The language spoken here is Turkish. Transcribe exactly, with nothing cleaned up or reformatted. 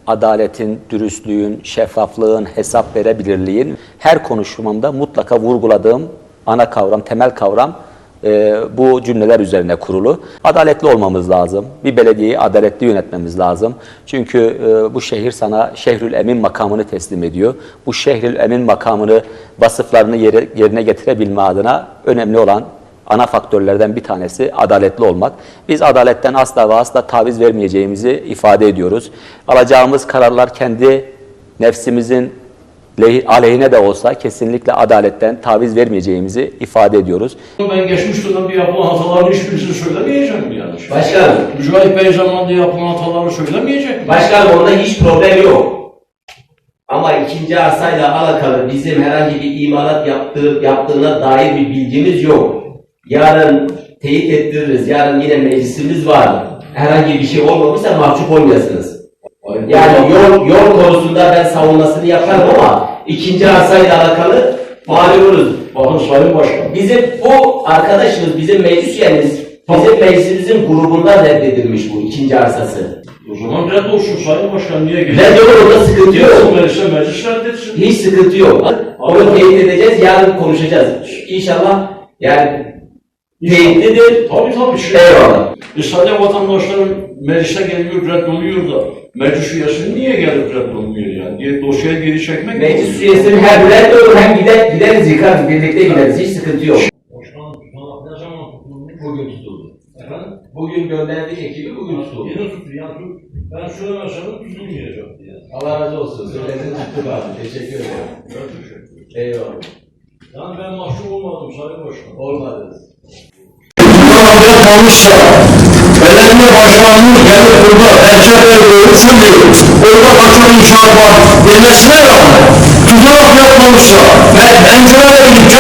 adaletin, dürüstlüğün, şeffaflığın, hesap verebilirliğin her konuşmamda mutlaka vurguladığım ana kavram, temel kavram e, bu cümleler üzerine kurulu. Adaletli olmamız lazım. Bir belediyeyi adaletli yönetmemiz lazım. Çünkü e, bu şehir sana Şehrül Emin makamını teslim ediyor. Bu Şehrül Emin makamını, vasıflarını yere, yerine getirebilme adına önemli olan ana faktörlerden bir tanesi adaletli olmak. Biz adaletten asla ve asla taviz vermeyeceğimizi ifade ediyoruz. Alacağımız kararlar kendi nefsimizin aleyhine de olsa kesinlikle adaletten taviz vermeyeceğimizi ifade ediyoruz. Ben geçmiş dönemde yapılan hataların hiçbirisini söylemeyecek mi yani? Başkanım. Mücahit Bey zamanında yapılan hataları söylemeyecek mi? Başkanım onda hiç problem yok. Ama ikinci arsayla alakalı bizim herhangi bir imalat yaptığı, yaptığına dair bir bilgimiz yok. Yarın teyit ettiririz, yarın yine meclisimiz var. Herhangi bir şey olmamışsa mahcup olmayasınız. Yani yol, yol konusunda ben savunmasını yaparım ama ikinci arsayla alakalı mağlup oluruz. Bakın Sayın Başkan. Bizim bu arkadaşımız, bizim meclis üyemiz, bizim meclisimizin grubundan reddedilmiş bu ikinci arsası. O zaman red olsun Sayın Başkan, niye geliyor? Red olur, orada sıkıntı yok. Meclise meclis reddetsin. Hiç sıkıntı yok. Onu teyit edeceğiz, yarın konuşacağız. İnşallah yani teyitlidir. Tabii tabii. Şey. Eyvallah. E sadece vatandaşların meclise geliyor, reddoluyor da meclis üyesi niye gelip reddolmuyor yani? Diye dosyayı geri çekmek mi? Meclis üyesinin hem red olur hem gider, gideriz yıkarız, birlikte gideriz. Hiç sıkıntı yok. Başkanım, tutanak ne zaman tutuldu? Bugün tutuldu. Efendim? Bugün gönderdik ekibi, bugün tutuldu. Yine tuttu. Yani ben söylemesem tutulmayacaktı yani. Allah razı olsun. Söyledin tuttuk abi. Teşekkür ederim. Ben teşekkür ederim. Eyvallah. Yani ben mahcup olmadım Sayın Başkan. Olmadınız. Olmuşsa, belediye başkanlığı gelip burada Erçel Bey'i orada başkan inşaat var demesine rağmen tutanak yapmamışsa ve pencereleri